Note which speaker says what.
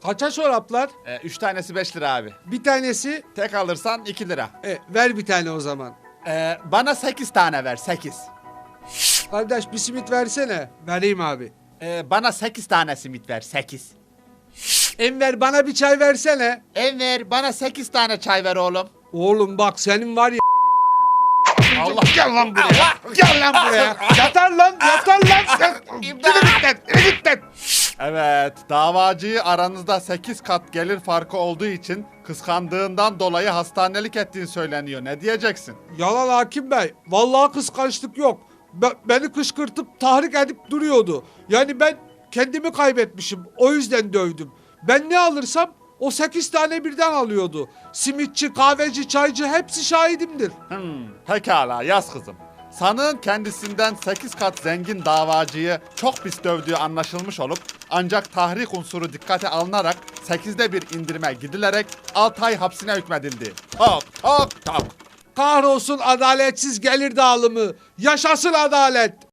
Speaker 1: Kaça çoraplar?
Speaker 2: 3 tanesi 5 lira abi.
Speaker 1: Bir tanesi.
Speaker 2: Tek alırsan 2 lira.
Speaker 1: Ver bir tane o zaman.
Speaker 2: Bana 8 tane ver 8.
Speaker 1: Kardeş bir simit versene. Vereyim abi.
Speaker 2: Bana 8 tane simit ver 8.
Speaker 1: Enver bana bir çay versene.
Speaker 2: Enver bana 8 tane çay ver oğlum.
Speaker 1: Oğlum bak senin var ya.
Speaker 2: Allah.
Speaker 1: Gel lan buraya. Gel lan buraya. Yatar lan. Git.
Speaker 2: Evet, davacıyı aranızda 8 kat gelir farkı olduğu için kıskandığından dolayı hastanelik ettiğin söyleniyor. Ne diyeceksin?
Speaker 1: Yalan hakim bey. Vallahi kıskançlık yok. Beni kışkırtıp tahrik edip duruyordu. Yani ben kendimi kaybetmişim. O yüzden dövdüm. Ben ne alırsam o 8 tane birden alıyordu. Simitçi, kahveci, çaycı hepsi şahidimdir.
Speaker 2: Pekala yaz kızım. Sanığın kendisinden 8 kat zengin davacıyı çok pis dövdüğü anlaşılmış olup ancak tahrik unsuru dikkate alınarak 8'de bir indirime gidilerek 6 ay hapsine hükmedildi. Tok tok tok.
Speaker 1: Kahrolsun adaletsiz gelir dağılımı. Yaşasın adalet.